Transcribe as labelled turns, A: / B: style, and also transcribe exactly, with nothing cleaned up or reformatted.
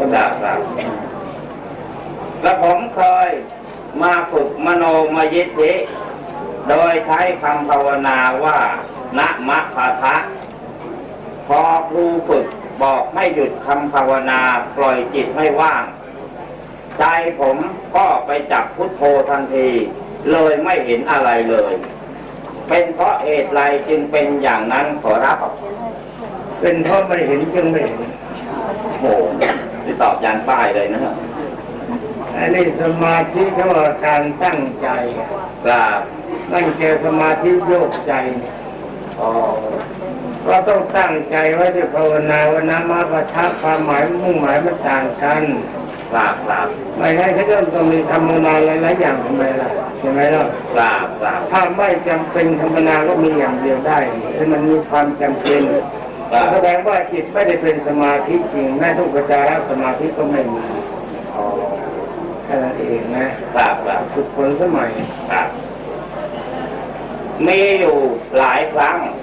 A: ครับครับและผมเคยมาฝึกมโนมยิทธิโดยใช้คำภาวนาว่านะมะพะทะพอครูฝึกบอกให้หยุดคำภาวนาปล่อยจิตให้ว่างใจผมก็ไปจับพุทโธทันทีเลยไม่เห็นอะไรเลยเป็นเพราะเหตุไรจึงเป็นอย่างนั้นขอรับ
B: เป็นเพราะไม่เห็นจึงไม่เห็น
A: โอ้ที่ตอบยานป้ายเลยนะ
B: อันนี้สมาธิเขาว่าการตั้งใจ
A: ครับ
B: ตั้งใจสมาธิโยกใจอ๋อเราต้องตั้งใจไว้ที่ภาวนาว่านะมะพะทะความหมายมุ่งหมายมันต่างกัน
A: ครับครับ
B: ไม่งั้นเขาจะต้องมีธรรมนาหลายๆอย่างทำไมล่ะใช่ไหมล่ะ
A: ครับครับ
B: ถ้าไม่จำเป็นธรรมนาก็มีอย่างเดียวได้ถ้ามันมีความจำเป็นแสดงว่าจิตไม่ได้เป็นสมาธิจริงแม้ทุกขจารสมาธิก็ไม่มีแค่นั้นเองนะครับ
A: ครับ
B: ทุกคนสมัย
A: ครับมีอยู่หลายครั้ง